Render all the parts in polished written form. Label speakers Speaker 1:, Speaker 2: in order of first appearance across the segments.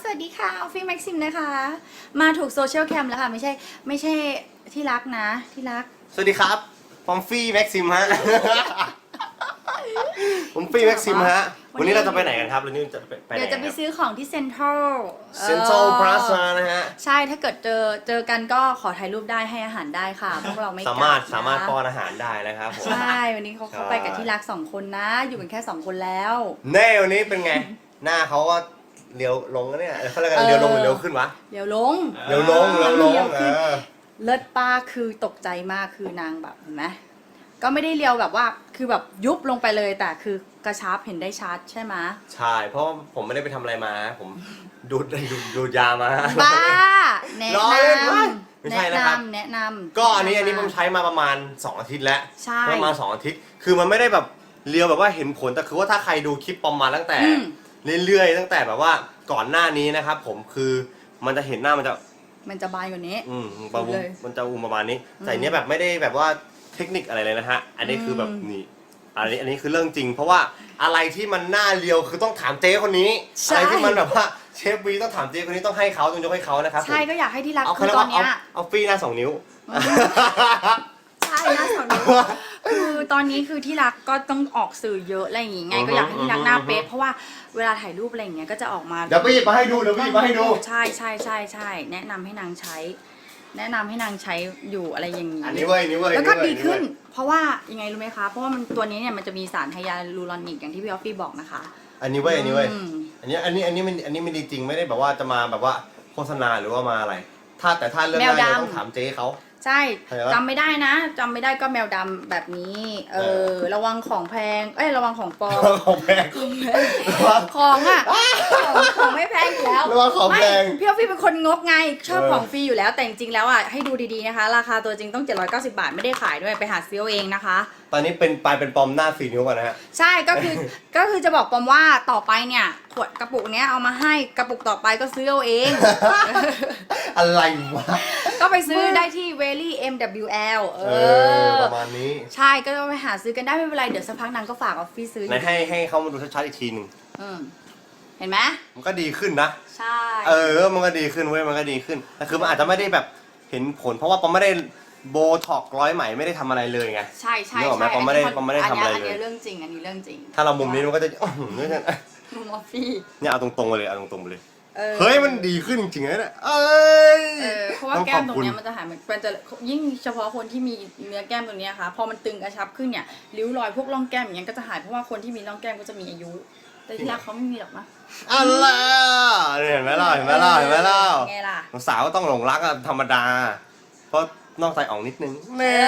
Speaker 1: วัสดีค่ะออฟฟี่แม็กซิมนะคะมาถูกโซเชียลแคมแล้วค่ะไม่ใช่ที่รักนะที่รัก
Speaker 2: สวัสดีครับผมฟี่แม็กซิมฮะ ผมฟี่แม็กซิมฮะวันนี้เราจะไปไหนกันครับวันนี้จะไปไหน
Speaker 1: เดี๋ยวจะไปซื้อของที่เซ็นทรัล
Speaker 2: เซ็นทรัลพลาซ่านะฮะ
Speaker 1: ใช่ถ้าเกิดเจอกันก็ขอถ่ายรูปได้ให้อาหารได้ค่ะพวกเราไม่
Speaker 2: สามารถป้อนอาหารได้นะครับผม
Speaker 1: ใช่วันนี้เขาไปกับที่รัก2 คนนะอยู่กันแค่2 คนแล้ว
Speaker 2: แน่วันนี้เป็นไง หน้าเขาก็เลี้ยวลงแล้วเนี่ยเขาเรียกกันเลี้ยวลงหรือเลี้ยวขึ้นวะ
Speaker 1: เดี๋ยวลง
Speaker 2: เลี้ยวลง
Speaker 1: เลิศป้าคือตกใจมากคือนางแบบเห็นไหมก็ไม่ได้เลียวแบบว่าคือแบบยุบลงไปเลยแต่คือกระชับเห็นได้ชัดใช่ไหม
Speaker 2: ใช่เพราะผมไม่ได้ไปทำอะไรมาผมดูดยามา
Speaker 1: บ้าแนะนำ
Speaker 2: ไม่ใช่นะครับ
Speaker 1: แนะนำ
Speaker 2: ก็อันนี้ผมใช้มาประมาณ2 อาทิตย์แล้ว
Speaker 1: ใช่
Speaker 2: ประมาณ2 อาทิตย์คือมันไม่ได้แบบเรียวแบบว่าเห็นผลแต่คือว่าถ้าใครดูคลิปประมาณตั้งแต่เรื่อยๆตั้งแต่แบบว่าก่อนหน้านี้นะครับผมคือมันจะเห็นหน้ามันจะ
Speaker 1: บานกว่านี้
Speaker 2: มันจะประมาณนี้แต่เนี้ยแบบไม่ได้แบบว่าเทคนิคอะไรเลยนะฮะอันนี้คือแบบนี่อันนี้คือเรื่องจริงเพราะว่าอะไรที่มันหน้าเรียวคือต้องถามเจ๊คนนี้อะไรที่มันแบบว่าเชฟวีต้องถามเจ๊คนนี้ต้องให้เขาต้องยกให้เขานะครับ
Speaker 1: ใช่ก็อยากให้ที่รักคือตอนเนี้ย
Speaker 2: เอาฟรีหน้า2 นิ้ว
Speaker 1: ใช่หน้า2 นิ้วคือตอนนี้คือที่รักก็ต้องออกสื่อเยอะอะไรอย่างงี้ไงก็อยากให้ที่รักหน้าเป๊ะเพราะว่าเวลาถ่ายรูปอะไรอย่างเงี้ยก็จะออกมา
Speaker 2: เดี๋ยวไปหยิบมาให้ดู
Speaker 1: ใช่แนะนำให้นางใช้อยู่อะไรอย่างงี้
Speaker 2: อันนี้เว้ย
Speaker 1: แล้วก็ดีขึ้นเพราะว่ายังไงรู้ไหมคะเพราะว่ามันตัวนี้เนี่ยมันจะมีสารไฮยาลูรอนิกอย่างที่พี่ออฟฟี่บอกนะคะ
Speaker 2: อันนี้เว้ยอันนี้มันดีจริงไม่ได้แบบว่าจะมาแบบว่าโฆษณาหรือว่ามาอะไรแต่ถ้าเรื่องนั้นต้องถามเจ๊เขา
Speaker 1: ใช่จำไม่ได้นะจำไม่ได้ก็แมวดำแบบนี้ระวังของแพงระวังของปลอม
Speaker 2: ของแพง
Speaker 1: ของไม่แพงอยู่แล้ว
Speaker 2: ระวังของแพง
Speaker 1: พี่ออฟฟี่เป็นคนงกไงชอบของฟรีอยู่แล้วแต่จริงๆแล้วอ่ะให้ดูดีๆนะคะราคาตัวจริงต้อง790 บาทไม่ได้ขายด้วยไปหาซื้อเองนะคะ
Speaker 2: ตอนนี้เป็นปลอมหน้า4 นิ้วก่อนนะฮะ
Speaker 1: ใช่ก็คือจะบอกปอมว่าต่อไปเนี่ยขวดกระปุกเนี้ยเอามาให้กระปุกต่อไปก็ซื้อเอาเอง
Speaker 2: อะไรวะ
Speaker 1: ก็ไปซื้อได้ที่ Very MWL
Speaker 2: ประมาณนี้
Speaker 1: ใช่ก็ไปหาซื้อกันได้ไม่เป็นไรเดี๋ยวสักพักนางก็ฝากออฟฟิศซื้อ
Speaker 2: ให้เขามาดูชัดๆอีกทีนึง
Speaker 1: เห็นไหม
Speaker 2: มันก็ดีขึ้นนะ
Speaker 1: ใช่
Speaker 2: มันก็ดีขึ้นเว้ยมันก็ดีขึ้นแต่คือมันอาจจะไม่ได้แบบเห็นผลเพราะว่าปอมไม่ได้โบท็อกร้อยไหมไม่ได้ทำอะไรเลยไง
Speaker 1: ใช่
Speaker 2: ปอมไม่ได้ทำอะไรเลย
Speaker 1: อันนี้เรื่องจริง
Speaker 2: ถ้าเรามุมนี้มันก็จะ
Speaker 1: มุมออฟฟี่
Speaker 2: เนี่ยเอาตรงๆไปเลยเฮ้ยมันดีขึ้นจริงๆนะเนี่ย
Speaker 1: เพราะว่าแก้มตรงนี้มันจะหายมันจะยิ่งเฉพาะคนที่มีเนื้อแก้มตรงนี้ค่ะพอมันตึงกระชับขึ้นเนี่ยริ้วรอยพวกร่องแก้มอย่างเงี้ยก็จะหายเพราะว่าคนที่มีร่องแก้มก็จะมีอายุแต่ที่รักเขาไม่มีหรอกนะ
Speaker 2: อะไรเห็นไหมล่ะ
Speaker 1: ไงล่ะ
Speaker 2: สาวก็ต้องหลงรักธรรมดาเพราะนอกใจอ่องนิดนึงเนี่ย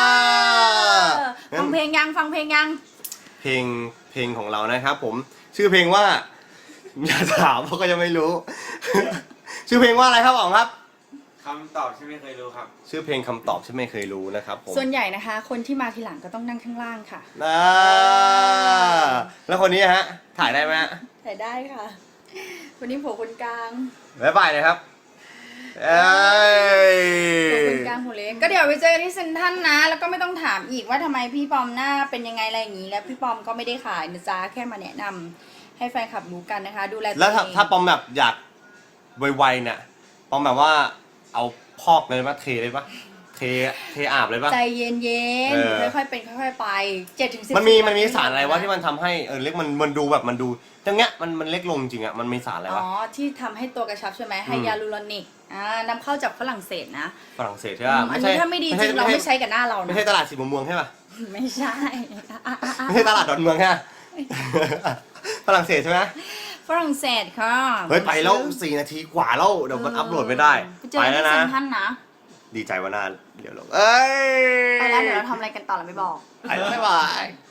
Speaker 1: ฟังเพลงยัง
Speaker 2: เพลงของเรานะครับผมชื่อเพลงว่าอย่าถามเพราะก็ยังไม่รู้ ชื่อเพลงว่าอะไรครับอ๋องครับ
Speaker 3: คำตอบที่ไม่เคยรู้ครับ
Speaker 2: ชื่อเพลงคำตอบที่ไม่เคยรู้นะครับผม
Speaker 1: ส่วนใหญ่นะคะคนที่มาทีหลังก็ต้องนั่งข้างล่างค่ะ
Speaker 2: แล้วคนนี้ฮะถ่ายได้ไหม
Speaker 1: ถ่ายได้ค่ะวันนี้ผมคนกลาง
Speaker 2: บ๊ายบายเลยครับ
Speaker 1: ผมคนกลางหัวเล็กก็เดี๋ยวไปเจอกันที่เซ็นทรัลนะแล้วก็ไม่ต้องถามอีกว่าทำไมพี่ปอมหน้าเป็นยังไงอะไรอย่างนี้แล้วพี่ปอมก็ไม่ได้ขายนะจ๊ะแค่มาแนะนำให้แฟนคลับรู้กันนะคะดูแลตัวเอง
Speaker 2: แล้วถ้าปอมแบบอยากไวๆเนี่ยปอมแบบว่าเอาพอกเลยปะเทเลยปะเทอาบเลยปะ
Speaker 1: ใจเย็นๆค่อยๆเป็นค่อยๆไป7-10
Speaker 2: มันมีสารอะไรวะที่มันทำให้เล็กมันดูแบบมันดูตรงเนี้ยมันเล็กลงจริงอ่ะมันมีสารอะไรวะ
Speaker 1: ที่ทำให้ตัวกระชับใช่ไหมไฮยาลูรอนิกนำเข้าจากฝรั่งเศสนะ
Speaker 2: ฝรั่งเศสใช่ป่ะ
Speaker 1: อันนี้ถ้าไม่ดีจริงเราไม่ใช้กับหน้าเรานะ
Speaker 2: ไม่ใช่ตลาดสีมุมเมืองใช่ป่ะ
Speaker 1: ไม่ใช่
Speaker 2: ไม่ใช่ตลาดดอนเมืองใช่ฝรั่งเศสใช่ไหม
Speaker 1: ฝรั่งเศสค่ะ
Speaker 2: เฮ้ยไปแล้ว4 นาทีกว่าแล้วเดี๋ยวมันอัพโหลดไม่ได้
Speaker 1: ไปแล้วนะ
Speaker 2: ดีใจว่านานเดี๋ยวลง
Speaker 1: ไปแล้วเดี๋ยวเราทำอะไรกันต่อเราไม่บอก
Speaker 2: ไปแล้วบ๊ายบาย